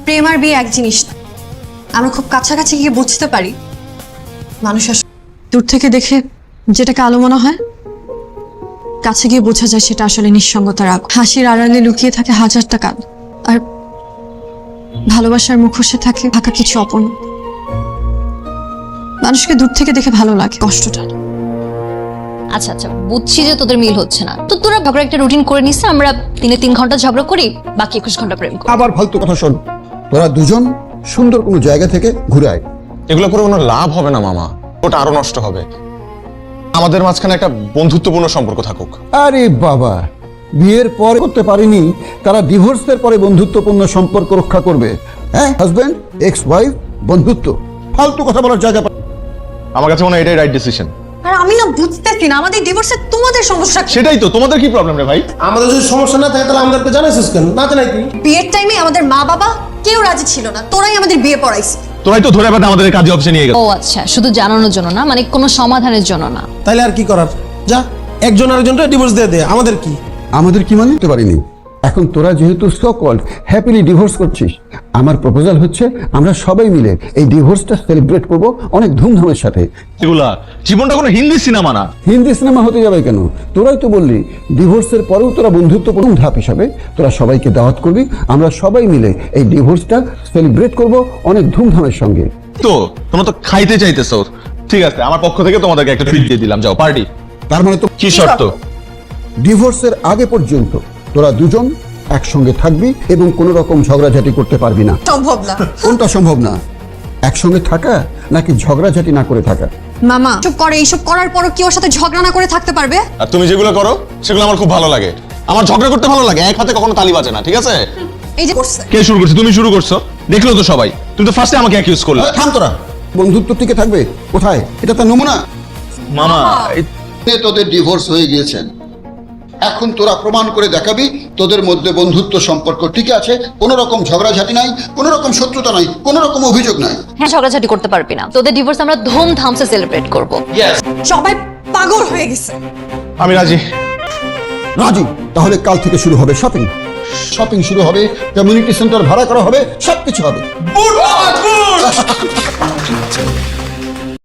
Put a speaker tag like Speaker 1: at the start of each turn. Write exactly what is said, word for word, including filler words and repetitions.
Speaker 1: প্রেম আর বিয়ে এক জিনিস না। আমরা খুব কাছাকাছি গিয়ে বুঝতে পারি মানুষ আসলে দূর থেকে দেখে যেটাকে আলো মনে হয়, কাছে গিয়ে বোঝা যায় সেটা আসলে নিঃসঙ্গতার আগ। হাসির আড়ালে লুকিয়ে থাকে হাজারটা কাল, আর ভালোবাসার মুখোশে থাকে থাকা কিছু অপূর্ণ। মানুষকে দূর থেকে দেখে ভালো লাগে, কষ্টটা না।
Speaker 2: আচ্ছা আচ্ছা, বুঝছি যে তোদের মিল হচ্ছে না, তো তোরা ঝগড়া একটা রুটিন করে নিস, আমরা দিনে তিন ঘন্টা ঝগড়া করি, বাকি একুশ ঘন্টা প্রেম করি।
Speaker 3: আবার ফালতু কথা শোন, তোরা দুজন সুন্দর কোনো জায়গা থেকে ঘুরে আয়।
Speaker 4: এগুলো করে কোনো লাভ হবে না মামা, ওটা আরো নষ্ট হবে। আমাদের মাঝখানে একটা বন্ধুত্বপূর্ণ সম্পর্ক থাকুক।
Speaker 3: আরে বাবা, বিয়ের পর করতে পারিনি, তারা ডিভোর্সের পরে বন্ধুত্বপূর্ণ সম্পর্ক রক্ষা করবে? হ্যাঁ, হাজবেন্ড এক্স ওয়াইফ বন্ধুত্ব, ফালতু কথা বলার জায়গা।
Speaker 4: আমার কাছে মনে হয় এটাই রাইট ডিসিশন।
Speaker 1: আর আমি না বুঝতেছি না আমাদের ডিভোর্সে তোমাদের সমস্যা কি?
Speaker 4: সেটাই তো, তোমাদের কি প্রবলেম রে ভাই?
Speaker 5: আমাদের যদি সমস্যা না থাকে তাহলে আমাদেরকে জানাইছিস কেন? না জানাই তুই।
Speaker 1: বিয়ের টাইমে আমাদের মা বাবা কেউ রাজি ছিল না, তোরাই আমাদের বিয়ে পড়াইছিস।
Speaker 4: তোরাই তো ধরে বাঁধা আমাদের কাজে অফিসে নিয়ে গেল।
Speaker 2: ও আচ্ছা, শুধু জানানোর জন্য না, মানে কোনো সমাধানের জন্য না।
Speaker 5: তাইলে আর কি করার? যা একজন আরেকজনকে ডিভোর্স দিয়ে দে, আমাদের কি?
Speaker 3: আমাদের কি মানে? পারিনি। এখন তোরা যেহেতু সো কল্ড হ্যাপিলি ডিভোর্স করছিস, আমার প্রপোজাল হচ্ছে আমরা সবাই মিলে এই ডিভোর্সটা সেলিব্রেট করব অনেক ধুমধামের সাথে।
Speaker 4: এগুলা জীবনটা কোনো হিন্দি সিনেমা না।
Speaker 3: হিন্দি সিনেমা হতে যাবে কেন? তোরাই তো বললি ডিভোর্সের পরেও তোরা বন্ধুত্বপূর্ণ ধাপ হিসাবে তোরা সবাইকে দাওয়াত করবি, আমরা সবাই মিলে এই ডিভোর্সটা সেলিব্রেট করব অনেক ধুমধামের সঙ্গে।
Speaker 4: তো তোমরা তো খাইতে চাইতেছো, ঠিক আছে, আমার পক্ষ থেকে তোমাদেরকে একটা ট্রিট দিয়ে দিলাম, যাও পার্টি।
Speaker 3: তার মানে তো
Speaker 4: কি শর্ত?
Speaker 3: ডিভোর্সের আগে পর্যন্ত তোরা দুজন একসঙ্গে থাকবি এবং কোনো রকম ঝগড়াঝাটি করতে পারবি না।
Speaker 1: সম্ভব না।
Speaker 3: কোনটা সম্ভব না? একসঙ্গে থাকা নাকি ঝগড়াঝাটি না করে থাকা?
Speaker 1: মামা চুপ করে, এইসব করার পরও কি ওর সাথে ঝগড়া না করে থাকতে পারবে?
Speaker 4: আর তুমি যেগুলো করো সেগুলো আমার খুব ভালো লাগে। আমার ঝগড়া করতে ভালো লাগে, এক হাতে কখনো তালি বাজে না, ঠিক আছে?
Speaker 1: এই যে করছে,
Speaker 4: কে শুরু করছে? তুমি শুরু করছো, দেখলো তো সবাই। তুমি তো ফার্স্টে আমাকে অ্যাকিউজ করলে।
Speaker 3: থাম তোরা, বন্ধুত্ব টিকে থাকবে কোথায়? এটা তো নমুনা।
Speaker 4: মামা
Speaker 3: তোদের ডিভোর্স হয়ে গিয়েছেন, এখন তোরা প্রমাণ করে দেখাবি তোদের মধ্যে বন্ধুত্ব সম্পর্ক ঠিক আছে, কোনো রকম ঝগড়াঝাটি নাই, কোনো রকম শত্রুতা নাই, কোনো রকম অভিযোগ নাই।
Speaker 2: হ্যাঁ, ঝগড়াঝাটি করতে পারবি না, তোদের ডিভোর্স আমরা ধুমধামসে সেলিব্রেট করব।
Speaker 1: সবাই পাগল হয়ে গেছে।
Speaker 4: আমি রাজি।
Speaker 3: রাজি? তাহলে কাল থেকে শুরু হবে শপিং। শপিং শুরু হবে, কমিউনিটি সেন্টার ভাড়া করা হবে, সবকিছু হবে।